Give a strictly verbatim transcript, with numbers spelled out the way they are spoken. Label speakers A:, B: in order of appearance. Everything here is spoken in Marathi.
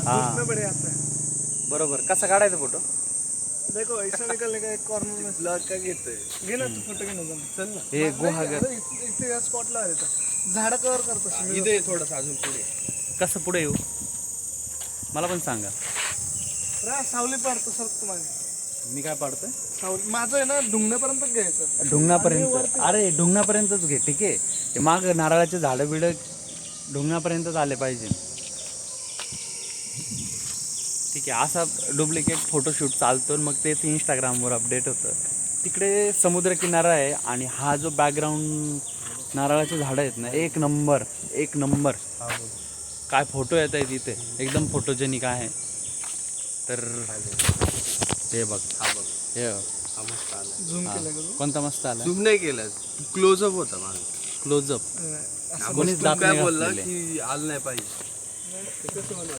A: हाँ।
B: धूप में बड़े आता है।
A: बरोबर. कसा काढायचा फोटो?
B: देखो ऐसा निकलने का एक कॉर्नर में ब्लॉग का घेतोय घे ना तू फोटो घे ना जाऊन. चल ना
A: हे गुहागर.
B: अरे इथे इथे या स्पॉटला आहे इथं झाडं कव्हर करतो
C: इथे थोडंसं अजून पुढे.
A: कसं पुढे येऊ मला पण सांगा.
B: रा सावली पाडतो सर तुम्हाला.
A: मी काय पाडतोय?
B: सावली माझं आहे ना ढुंगण्यापर्यंत घ्यायचं.
A: ढुंगणापर्यंत. अरे ढुंगणापर्यंतच घे. ठीक आहे. ते माग नारळाचे झाडं बिडं ढुंगणापर्यंतच आले पाहिजे. ठीक आहे. असा डुप्लिकेट फोटोशूट चालतो मग ते इंस्टाग्रामवर अपडेट होतं. तिकडे समुद्रकिनारा आहे आणि हा जो बॅकग्राऊंड नारळाचे झाडं आहेत ना एक नंबर एक नंबर. काय फोटो येत आहे तिथे एकदम फोटोजेनिक आहे. तर हे बघ
C: हा बघ
A: हे
C: हा मस्त आला.
B: झूम केलं का तू?
A: कोणता मस्त आला.
C: झूम नाही केलं क्लोजअप होता माझा.
A: क्लोजअप.
B: असं
A: कोणीच दात
C: काय
A: नाही
C: बोलला
A: घासलेले.
C: की आलं नाही पाहिजे.